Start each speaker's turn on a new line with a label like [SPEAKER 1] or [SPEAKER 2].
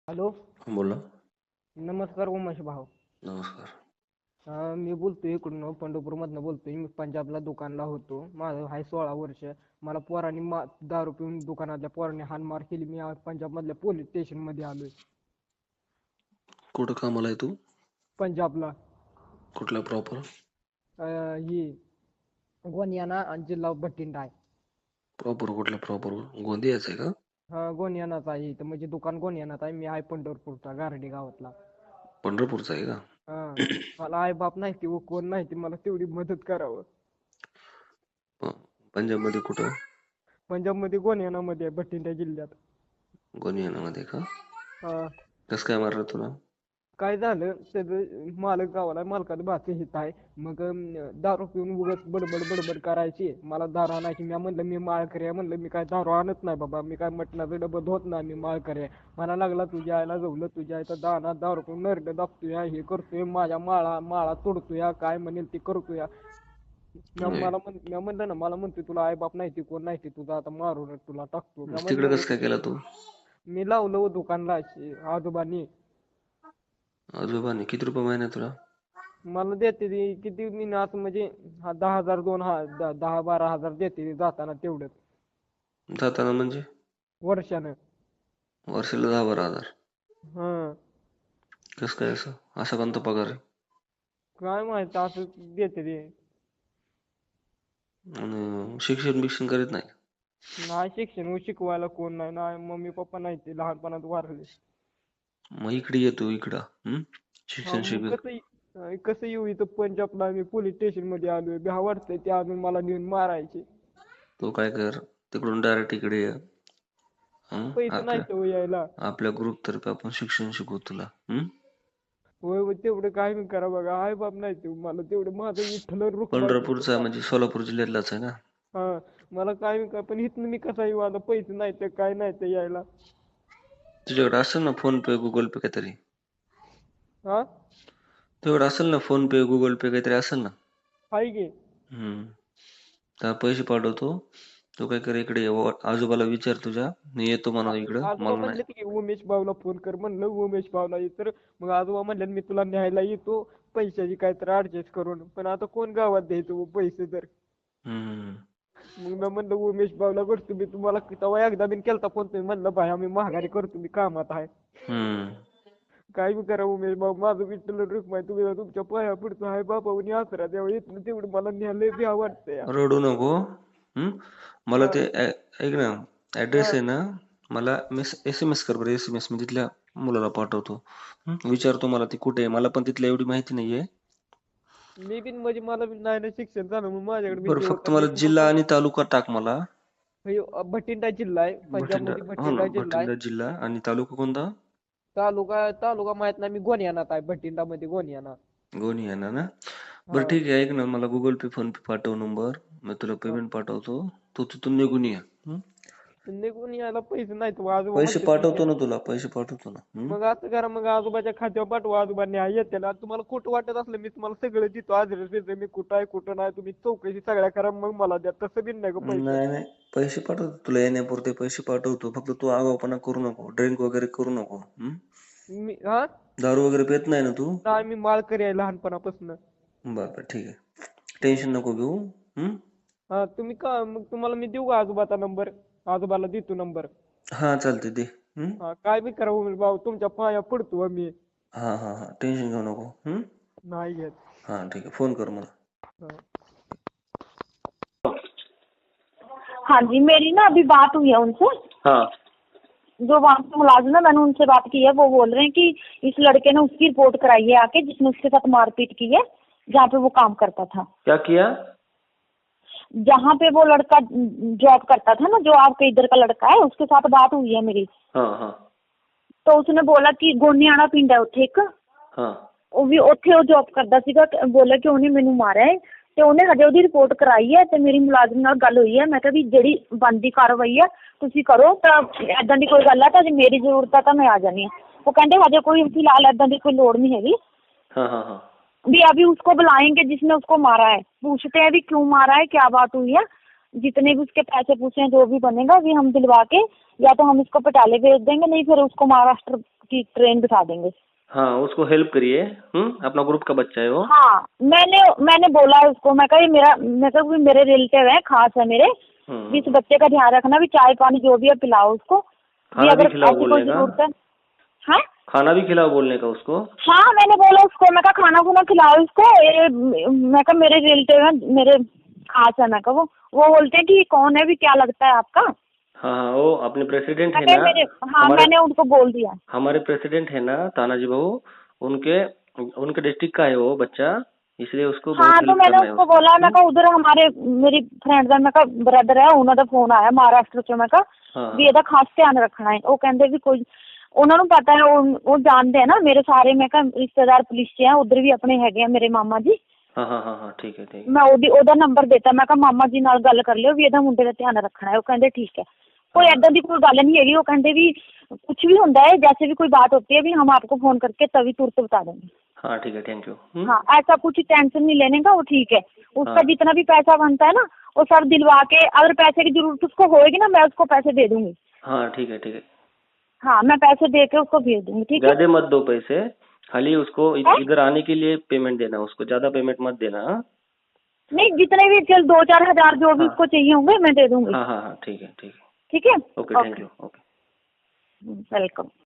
[SPEAKER 1] Hello.
[SPEAKER 2] बोला.
[SPEAKER 1] नमस्कार उमेश भाऊ.
[SPEAKER 2] नमस्कार.
[SPEAKER 1] मी बोलतोय इकडून पंढरपूरमधनं बोलतोय. मी पंजाबला दुकानला होतो. माझं आहे 16 वर्ष. मला पोरांनी दारू पिऊन दुकानातल्या पोरांनी हाणमार केली. मी आज पंजाबमधल्या पोलीस स्टेशनमध्ये आलोय.
[SPEAKER 2] कुठं कामाला आहे तू?
[SPEAKER 1] पंजाबला.
[SPEAKER 2] कुठला प्रॉपर?
[SPEAKER 1] ही गोनियाना आणि जिल्हा भटिंडा आहे.
[SPEAKER 2] प्रॉपर कुठला? प्रॉपर गोंदियाच आहे का?
[SPEAKER 1] हा, गोनियानाच आहे. तर म्हणजे दुकान गोनियानाच आहे. मी आहे पंढरपूरचा गारडी गावातला.
[SPEAKER 2] पंढरपूरचा आहे का?
[SPEAKER 1] हा. मला आई बाप नाही ती कोण नाही ती, मला तेवढी मदत करावं.
[SPEAKER 2] पंजाब मध्ये कुठं?
[SPEAKER 1] पंजाबमध्ये गोनियानामध्ये आहे, भटिंडा जिल्ह्यात.
[SPEAKER 2] गोनियानामध्ये का?
[SPEAKER 1] हा.
[SPEAKER 2] कसं काय मारलं तुला?
[SPEAKER 1] काय झालं त्याचं मालक गावाला, मालकाचं भाचं हित आहे. मग दारू पिऊन उगाच बडबड बडबड करायची. मला दारू आणायची. मी म्हणलं मी माळकरी आहे, म्हणलं मी काय दारू आणत नाही बाबा, मी काय मटणाचं डबं धुत नाही, मी माळकरी आहे. मला लागला तुझ्या आईला जवलं, तुझ्या आईचा दाना दारू पिऊन नरड दाबतोय, हे करतोय, माझ्या माळा तोडतोय, काय म्हणेल ते करतोय. मी म्हणलं ना, मला म्हणतोय तुला आई बाप नाही ती कोण नाही ती, तुझा आता मारून तुला टाकतो. मी
[SPEAKER 2] तिकडे
[SPEAKER 1] म्हणलं
[SPEAKER 2] कसं काय केला तू?
[SPEAKER 1] मी लावलं दुकानला आजोबांनी.
[SPEAKER 2] आजोबाने किती रुपये महिना तुला?
[SPEAKER 1] मला देते ती किती, मी असं म्हणजे 10,000 10-12,000 देते ती जाताना तेवढंच
[SPEAKER 2] जाताना म्हणजे?
[SPEAKER 1] वर्षानं.
[SPEAKER 2] वर्षाला 10-12 हजार?
[SPEAKER 1] हा.
[SPEAKER 2] कसं काय असं? असा कोणता पगार आहे?
[SPEAKER 1] काय माहित असं देते ती.
[SPEAKER 2] आणि शिक्षण बिक्षण करीत नाही?
[SPEAKER 1] नाही शिक्षण शिकवायला कोण नाही, नाही मम्मी पप्पा नाही, ते लहानपणात वारले.
[SPEAKER 2] मग इकडे येतो इकडं
[SPEAKER 1] हा,
[SPEAKER 2] शिक्षण
[SPEAKER 1] मग
[SPEAKER 2] शिकत.
[SPEAKER 1] कसं येऊ इथं पंजाबला, मी पोलीस स्टेशन मध्ये आलोय. भ्या वाटतंय ते अजून मला नेऊन मारायचे.
[SPEAKER 2] तू काय कर, तिकडून डायरेक्ट इकडे ये.
[SPEAKER 1] पैसे नाही
[SPEAKER 2] आपल्या
[SPEAKER 1] तर यायला.
[SPEAKER 2] आपल्या ग्रुप तर्फे आपण शिक्षण शिकवू तुला.
[SPEAKER 1] होय होय, तेवढं काय मी करा बघा, आई बाप नाही ते मला, तेवढं माझं विठ्ठल रुक्माई
[SPEAKER 2] पंढरपूरचा म्हणजे सोलापूर जिल्ह्यातलाच आहे ना?
[SPEAKER 1] हा. मला काय मी काय, पण इथनं मी कसा येऊ आता, पैसे नाही तर काय नाही तर यायला.
[SPEAKER 2] तुझ्याकडे असेल ना फोन पे गुगल पे काहीतरी?
[SPEAKER 1] हा.
[SPEAKER 2] तुझ्याकडे असेल ना फोन पे गुगल पे काहीतरी असेल ना?
[SPEAKER 1] हाय की.
[SPEAKER 2] त्या पैसे पाठवतो. तू काय कर, इकडे ये. आजोबाला विचार तुझ्या, मी येतो म्हणा इकडं.
[SPEAKER 1] आजोबा
[SPEAKER 2] मला नाही.
[SPEAKER 1] म्हणले की उमेश भाऊला फोन कर, म्हणलं उमेश भाऊला ये. तर मग आजोबा म्हणले मी तुला न्यायला येतो पैशाची काहीतरी ऍडजस्ट करून, पण आता कोण गावात द्यायचं पैसे तर.
[SPEAKER 2] हम्म.
[SPEAKER 1] मग मी म्हणलं उमेश भाऊला करतो मी, तुम्हाला तेव्हा एकदा बिन केलता फोन, तुम्ही म्हणलं भाई आम्ही महागारी करतो, मी कामात आहे. काय बी करा उमेश भाऊ, माझं विठ्ठल रुक्माई, तुम्ही तुमच्या पाया पडतो आहे बाबावनी आसरा द्यावा. येत तेवढं मला न्यायला भ्या वाटतंय.
[SPEAKER 2] रडू नको. मला ते ऐक ना, ऍड्रेस आहे ना, मला SMS कर बरं. SMS मी तिथल्या मुलाला पाठवतो. विचारतो मला ती कुठे आहे, मला पण तिथल्या एवढी माहिती नाहीये.
[SPEAKER 1] मी बिन म्हणजे मला बी नाही ना शिक्षण झालं, मग माझ्याकडे
[SPEAKER 2] बरं,
[SPEAKER 1] विषय
[SPEAKER 2] फक्त
[SPEAKER 1] होता.
[SPEAKER 2] मला जिल्हा आणि तालुका टाक मला.
[SPEAKER 1] भटिंडा जिल्हा आहे, पंजाब
[SPEAKER 2] भटिंडा.
[SPEAKER 1] मध्ये
[SPEAKER 2] हो ना,
[SPEAKER 1] भटिंडा जिल्हा आहे.
[SPEAKER 2] भटिंडा जिल्हा. आणि तालुका कोणता?
[SPEAKER 1] तालुका माहित नाही, मी गोनियानात आहे, भटिंडा मध्ये गोनियाना.
[SPEAKER 2] गोनियाना ना? बरं
[SPEAKER 1] हा.
[SPEAKER 2] ठीक आहे, ऐक ना, मला गुगल पे फोन पे पाठव नंबर, मी तुला पेमेंट पाठवतो. तू तिथून निघून ये.
[SPEAKER 1] निघून यायला पैसे नाहीत, आजोबा
[SPEAKER 2] पैसे
[SPEAKER 1] म्हणते
[SPEAKER 2] पाठवतो ना तुला, पैसे पाठवतो ना.
[SPEAKER 1] मग असं करा, मग आजोबाच्या खात्यावर पाठवा, आजोबा न्याय येते ना. तुम्हाला खोटं वाटत असलं मी तुम्हाला सगळं देतो, ऍड्रेस देतो, मी कुठं आहे कुठं नाही, तुम्ही चौकशी सगळ्या करा, मग मला द्या. तसं बिन नाही गं पैसे.
[SPEAKER 2] नाही पैसे पाठवतो तुला, येण्यापुरते पैसे पाठवतो. फक्त तू आगाऊपणा करू नको, ड्रिंक वगैरे करू नको.
[SPEAKER 1] हा.
[SPEAKER 2] दारू वगैरे पित नाही ना तू?
[SPEAKER 1] नाही, मी माळकरी आहे लहानपणापासून.
[SPEAKER 2] बरं ठीक आहे, टेन्शन नको घेऊ.
[SPEAKER 1] हा, तुम्ही का मग तुम्हाला मी देऊ का आजोबाचा नंबर? आजोबाला देतो नंबर.
[SPEAKER 2] हा चालते दे.
[SPEAKER 1] हा, काय बी करा उमेश भाऊ, तुमच्या पाया पडतो मी.
[SPEAKER 2] हा टेन्शन घेऊ नको.
[SPEAKER 1] नाही घेत.
[SPEAKER 2] हा ठीक आहे, फोन कर मला.
[SPEAKER 1] हा.
[SPEAKER 3] हाँ जी, मेरी ना अभी बात हुई है उनसे।
[SPEAKER 2] हाँ।
[SPEAKER 3] जो वहाँ पे मुलाजिम है, मैंने उनसे बात की है। वो बोल रहे हैं कि इस लड़के ने उसकी रिपोर्ट कराई है आके, जिसने उसके साथ मारपीट की है, जहाँ पे वो काम करता था।
[SPEAKER 2] क्या किया?
[SPEAKER 3] जहाँ पे वो लड़का जॉब करता था ना, जो आपके इधर का लड़का है, उसके साथ बात हुई है मेरी।
[SPEAKER 2] हाँ।
[SPEAKER 3] तो उसने बोला कि गोनियाना पिंड है उत्थे एक।
[SPEAKER 2] हाँ।
[SPEAKER 3] ਉਹ ਵੀ ਉੱਥੇ ਉਹ ਜੌਬ ਕਰਦਾ ਸੀਗਾ। ਬੋਲਿਆ ਕਿ ਉਹਨੇ ਮੈਨੂੰ ਮਾਰਿਆ ਹੈ ਤੇ ਉਹਨੇ ਹਜੇ ਉਹਦੀ ਰਿਪੋਰਟ ਕਰਾਈ ਹੈ ਤੇ ਮੇਰੀ ਮੁਲਾਜ਼ਮ ਨਾਲ ਗੱਲ ਹੋਈ ਹੈ। ਮੈਂ ਕਿਹਾ ਵੀ ਜਿਹੜੀ ਬਣਦੀ ਕਾਰਵਾਈ ਹੈ ਤੁਸੀਂ ਕਰੋ, ਤਾਂ ਏਦਾਂ ਦੀ ਕੋਈ ਗੱਲ ਹੈ ਤਾਂ ਜੇ ਮੇਰੀ ਜ਼ਰੂਰਤ ਹੈ ਤਾਂ ਮੈਂ ਆ ਜਾਣੀ ਹਾਂ। ਉਹ ਕਹਿੰਦੇ ਹਜੇ ਕੋਈ ਫਿਲਹਾਲ ਏਦਾਂ ਦੀ ਕੋਈ ਲੋੜ नहीं हैगी।
[SPEAKER 2] हाँ।
[SPEAKER 3] भी अभी उसको बुलाएंगे जिसने उसको मारा है, पूछते हैं भी क्यों मारा है, क्या बात हुई है। जितने भी उसके पैसे पूछे हैं जो भी बनेगा भी हम दिलवा के या तो हम इसको पटाले भेज देंगे, नहीं फिर उसको महाराष्ट्र की ट्रेन बिठा देंगे।
[SPEAKER 2] हाँ, उसको हेल्प करिए। अपना ग्रुप का बच्चा है वो।
[SPEAKER 3] हाँ, मैंने बोला है उसको, मैं कहा भी मेरे रिलेटिव है, खास है मेरे, भी इस बच्चे का ध्यान रखना, भी चाय पानी जो भी है पिलाओ उसको, भी
[SPEAKER 2] खाना भी
[SPEAKER 3] अगर
[SPEAKER 2] खिलाओ
[SPEAKER 3] ऐसी कोई
[SPEAKER 2] बोलने का।
[SPEAKER 3] जरूरत है। हाँ
[SPEAKER 2] खाना भी खिलाओ बोलने का उसको।
[SPEAKER 3] हाँ, मैंने बोला उसको, मैं कहा खाना खुना खिलाओ इसको, मैं कहा मेरे रिलेटिव है, मेरे खास है, मैं कहा वो बोलते हैं कि कौन है भी, क्या लगता है आपका।
[SPEAKER 2] हाँ हाँ, वो अपने प्रेसिडेंट है
[SPEAKER 3] मैं कहा
[SPEAKER 2] ना,
[SPEAKER 3] हाँ
[SPEAKER 2] हमारे
[SPEAKER 3] मैंने उनको बोल दिया।
[SPEAKER 2] हमारे प्रेसिडेंट है ना तानाजी बहू, उनके उनके डिस्ट्रिक्ट का है वो बच्चा, इसलिए उसको बहुत
[SPEAKER 3] हाँ तो
[SPEAKER 2] हेल्प
[SPEAKER 3] मैंने
[SPEAKER 2] करना है
[SPEAKER 3] उसको
[SPEAKER 2] उसको।
[SPEAKER 3] बोला, मैं कहा उधर हमारे मेरी फ्रेंड ਦਾ मैं कहा ब्रदर है, ਉਹਨਾਂ ਦਾ ਫੋਨ ਆਇਆ ਮਹਾਰਾਸ਼ਟਰ ਚੋਂ, ਮੈਂ ਕਹਾ
[SPEAKER 2] हाँ
[SPEAKER 3] ਵੀ ਇਹਦਾ ਖਾਸ ਧਿਆਨ ਰੱਖਣਾ ਹੈ। ਉਹ ਕਹਿੰਦੇ ਵੀ ਕੋਈ, ਉਹਨਾਂ ਨੂੰ ਪਤਾ ਹੈ, ਉਹ ਜਾਣਦੇ ਆ ਨਾ ਮੇਰੇ ਸਾਰੇ, ਮੈਂ ਕਹਾ ਰਿਸ਼ਤੇਦਾਰ ਪੁਲਿਸ 'ਚ ਆ, ਉਧਰ ਵੀ ਆਪਣੇ ਹੈਗੇ ਆ ਮੇਰੇ ਮਾਮਾ ਜੀ।
[SPEAKER 2] हाँ हाँ हाँ हाँ, ठीक है ठीक है।
[SPEAKER 3] ਮੈਂ ਉਹਦਾ ਨੰਬਰ ਦਿੱਤਾ, ਮੈਂ ਕਹਾ ਮਾਮਾ ਜੀ ਨਾਲ ਗੱਲ ਕਰ ਲਿਓ ਵੀ ਇਹਦਾ ਮੁੰਡੇ ਦਾ ਧਿਆਨ ਰੱਖਣਾ ਹੈ। ਉਹ ਕਹਿੰਦੇ ਠੀਕ ਹੈ, कोई ऐसा की कोई गल नहीं हैगी। वो कहते भी कुछ भी होता है, जैसे भी कोई बात होती है भी हम आपको फोन करके तभी तुरंत बता देंगे।
[SPEAKER 2] हाँ ठीक है, थैंक यू।
[SPEAKER 3] हाँ, ऐसा कुछ टेंशन नहीं लेने का, वो ठीक है। उसका
[SPEAKER 2] हाँ।
[SPEAKER 3] जितना भी पैसा बनता है ना वो सब दिलवा के, अगर पैसे की जरूरत उसको होएगी ना मैं उसको पैसे दे दूंगी।
[SPEAKER 2] हाँ ठीक है ठीक है।
[SPEAKER 3] हाँ, मैं पैसे दे के उसको भेज दूंगी, ठीक है।
[SPEAKER 2] ज्यादा मत दो पैसे, खाली उसको इधर आने के लिए पेमेंट देना, उसको ज्यादा पेमेंट मत देना। हाँ?
[SPEAKER 3] नहीं, जितने भी चल 2-4 हजार जो भी
[SPEAKER 2] हाँ।
[SPEAKER 3] उसको चाहिए होंगे मैं दे दूंगी।
[SPEAKER 2] हाँ हाँ हाँ, ठीक है ठीक है।
[SPEAKER 3] ठीक है,
[SPEAKER 2] okay, thank you. Okay.
[SPEAKER 3] Welcome.